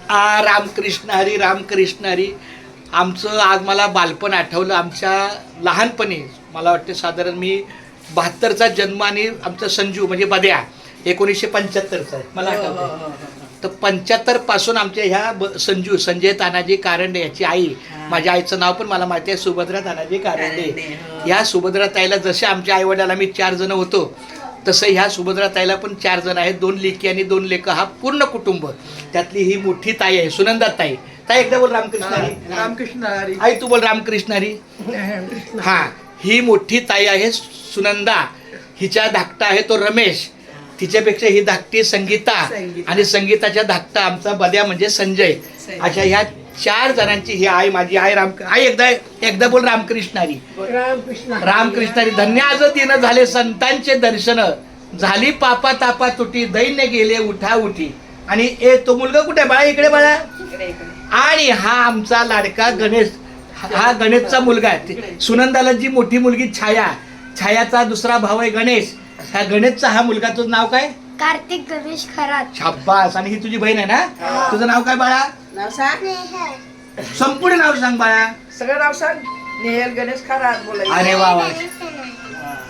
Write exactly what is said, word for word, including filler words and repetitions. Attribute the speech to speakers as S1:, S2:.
S1: आ रामकृष्ण हरी रामकृष्ण हरी. आमचं आज मला बालपण आठवलं. आमच्या लहानपणी मला वाटते साधारण मी बहात्तरचा जन्म आणि आमचं संजू म्हणजे बद्या एकोणीसशे पंच्याहत्तरचा आहे मला आठवतं. तर पंच्याहत्तर पासून आमच्या ह्या ब संजू संजय तानाजी कारंडे याची आई, माझ्या आईचं नाव पण मला माहिती आहे सुभद्रा तानाजी कारंडे. ह्या सुभद्रा ताईला जसे आमच्या आई वडिलाला आम्ही चार जण होतो तसं ह्या सुभद्रा ताईला पण चार जण आहेत. दोन लेकी आणि दोन लेकं, हा पूर्ण कुटुंब. त्यातली ही मोठी ताई आहे सुनंदा ताई. ताई एकदा बोल रामकृष्ण हरी.
S2: रामकृष्ण हरी.
S1: आई तू बोल रामकृष्ण हरी. हा, ही मोठी ताई आहे सुनंदा. हिच्या धाकटा आहे तो रमेश. तिच्यापेक्षा ही धाकटी संगीता आणि संगीताच्या धाकटा आमचा बद्या म्हणजे संजय. अशा ह्या चार जणांची ही आई माझी आई. राम आई एकदा एकदा बोल रामकृष्ण हरी.
S2: रामकृष्ण
S1: रामकृष्ण हरी. धन्य आज दिन झाले संतांचे दर्शन, झाली पापा तापा तुटी, दैन्य गेले उठा उठी. आणि ए तो मुलगा कुठे बाळा? इकडे बाळा. आणि हा आमचा लाडका गणेश, हा गणेशचा मुलगा आहे. सुनंदाला जी मोठी मुलगी छाया, छायाचा दुसरा भाऊ आहे गणेश. ह्या गणेशचा हा मुलगा, तुझं नाव काय?
S3: कार्तिक गणेश खरात.
S1: शाब्बास. आणि ही तुझी बहीण आहे ना? तुझं नाव काय बाळा?
S2: नाव सांग.
S1: संपूर्ण नाव सांग बाळा.
S2: सगळं नाव सांग. नेहल गणेश खरात बोलायचं.
S1: अरे वा वा.